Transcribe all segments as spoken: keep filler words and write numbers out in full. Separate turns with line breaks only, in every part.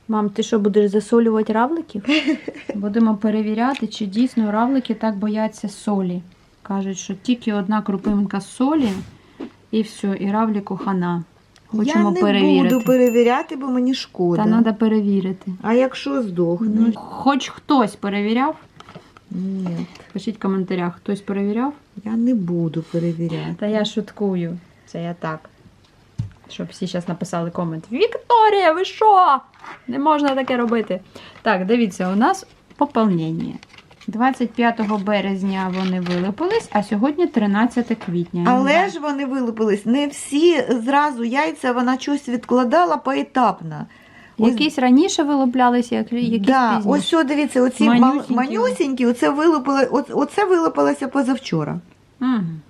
Мам, ти що, будеш засолювати равликів? Будемо перевіряти, чи дійсно равлики так бояться солі. Кажуть, що тільки одна крупинка солі і все, і равлику хана. Хочемо
Я не
перевірити.
буду перевіряти, бо мені шкода.
Та треба перевірити.
А якщо здохне?
Ну, хоч хтось перевіряв?
Ні,
Пишіть в коментарях, хтось перевіряв?
я не буду перевіряти.
Та я шуткую. Це я так. Щоб всі зараз написали комент. Вікторія, ви що? Не можна таке робити. Так, дивіться, у нас поповнення. двадцять п'ятого березня вони вилупились, а сьогодні тринадцяте квітня.
Але ж вони вилупились. Не всі зразу яйця, вона щось відкладала поетапно.
Якісь раніше вилуплялися, якісь
да,
пізніше.
ось, о, дивіться, оці
Манюсінькі.
манюсінькі, оце, вилупили, оце, оце вилупилося позавчора.
Угу.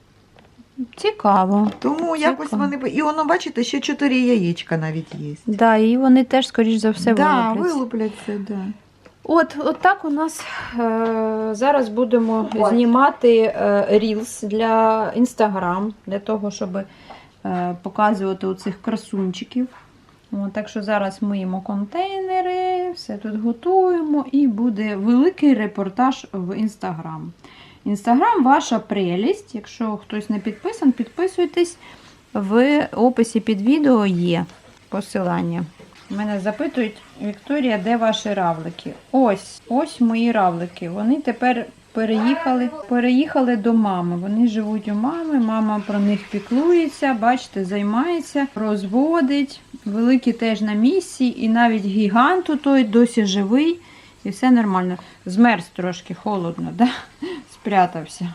Цікаво.
Тому
Цікаво.
якось вони... І воно, бачите, ще чотири яєчка навіть є.
Да, і вони теж, скоріш за все,
да,
вилупляться.
вилупляться, да.
От, от так у нас е, зараз будемо
Ось.
знімати е, рілс для Instagram, для того, щоб е, показувати оцих красунчиків. От, так що зараз миємо контейнери, все тут готуємо і буде великий репортаж в Instagram. Instagram ваша прелість. Якщо хтось не підписан, підписуйтесь. В описі під відео є посилання. Мене запитують, Вікторія, де ваші равлики? Ось, ось мої равлики. Вони тепер переїхали, переїхали до мами. Вони живуть у мами, мама про них піклується, бачите, займається, розводить. Великі теж на місці, і навіть гігант той досі живий. І все нормально. Змерз трошки, холодно, да? Спрятався.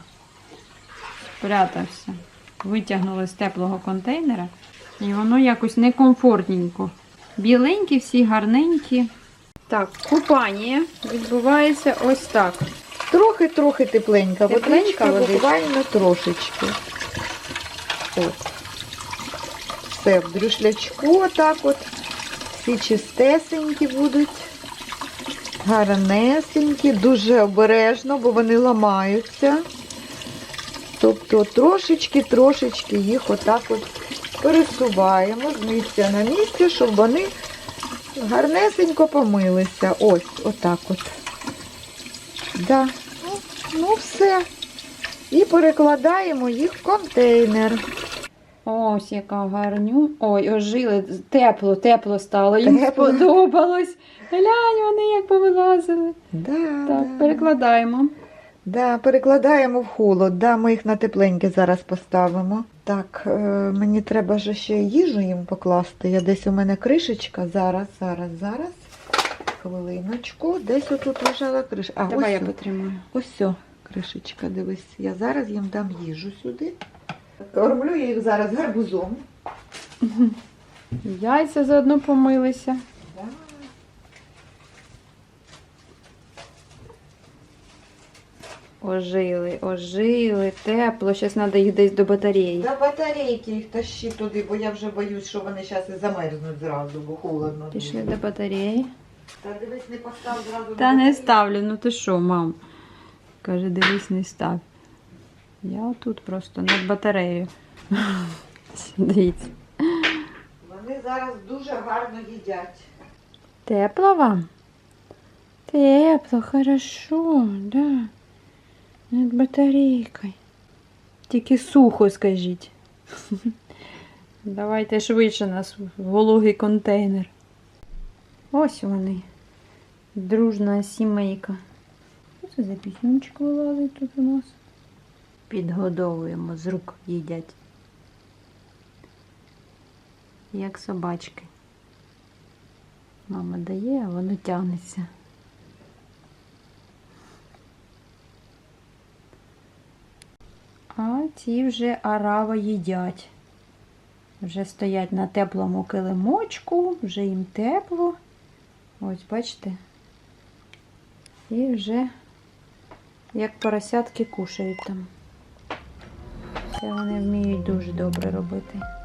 Спрятався. Витягнули з теплого контейнера. І воно якось некомфортненько. Біленькі, всі гарненькі. Так, купання відбувається ось так.
Трохи-трохи тепленька,
Тепленька
водичка,
водичка.
буквально трошечки. От. Все, в дрюшлячку отак от. Всі чистесенькі будуть. Гарнесенькі, дуже обережно, бо вони ламаються. Тобто трошечки-трошечки їх отак от пересуваємо з місця на місце, щоб вони гарнесенько помилися. Ось, отак от. Да. Ну, ну все. І перекладаємо їх в контейнер.
Ось яка гарню. Ой, ожили. Тепло, тепло стало. Їм
Тепло.
сподобалось. Глянь, вони як повилазили.
Да,
Так,
да.
перекладаємо.
Да, перекладаємо в холод. Да, ми їх на тепленьке зараз поставимо. Так, е, мені треба ж ще їжу їм покласти. Я десь у мене кришечка. Зараз, зараз, зараз. Хвилиночку. Десь отут лежала кришка. А,
Давай
ось,
я потримаю.
ось о, кришечка, дивись. Я зараз їм дам їжу сюди. Кормлю я їх зараз гарбузом.
Яйця заодно помилися.
Да.
Ожили, ожили, тепло. Зараз треба їх десь до батареї.
До батарейки їх тащи туди, бо я вже боюсь, що вони зараз і замерзнуть зразу, бо холодно.
Пішли
дуже.
до батареї.
Та дивись, не постав зразу.
Та
до
не
батареї.
ставлю, ну ти що, мам? Каже, дивись, не став. Я отут просто над батареєю. Дивіться.
Вони зараз дуже гарно їдять.
Тепло вам? Тепло, хорошо, да. Над батарейкою. Тільки сухо, скажіть. Давайте швидше нас в вологий контейнер. Ось вони. Дружна сімейка. Що це за піснючок вилазить тут у нас? Підгодовуємо, з рук їдять. Як собачки. Мама дає, а воно тягнеться. А ці вже арава їдять. Вже стоять на теплому килимочку, вже їм тепло. Ось, бачите? І вже як поросятки кушають там. Це вони вміють дуже добре робити.